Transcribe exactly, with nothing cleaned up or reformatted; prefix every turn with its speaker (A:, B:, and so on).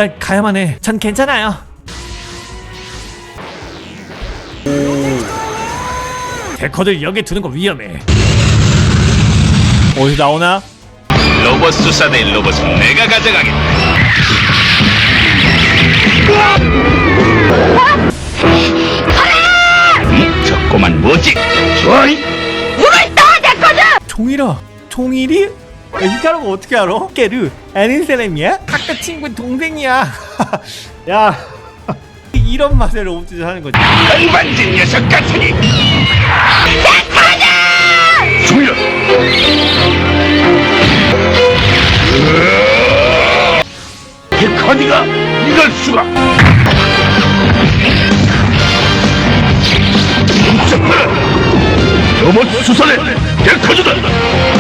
A: 일단 가야만 해. 전 괜찮아요. 데커들 여기 두는 거 위험해. 어디서 나오나?
B: 로봇 수사대 로봇은 내가 가져가겠다. 음, 저 꼬만 뭐지? 좋아이?
C: 물을 떠 데커드!
A: 종일아, 종일이? 야, 이 사람 어떻게 알아? 깨르 아는 사람이야? 학교 친구 동생이야. 야, 이런 맛에 로봇짓을 하는 거지.
B: 건반진 녀석 같으니.
C: 데커드!
B: 종이라. 데커디가 이럴 수가. 멈춰라. 로봇 수사대 데커드다.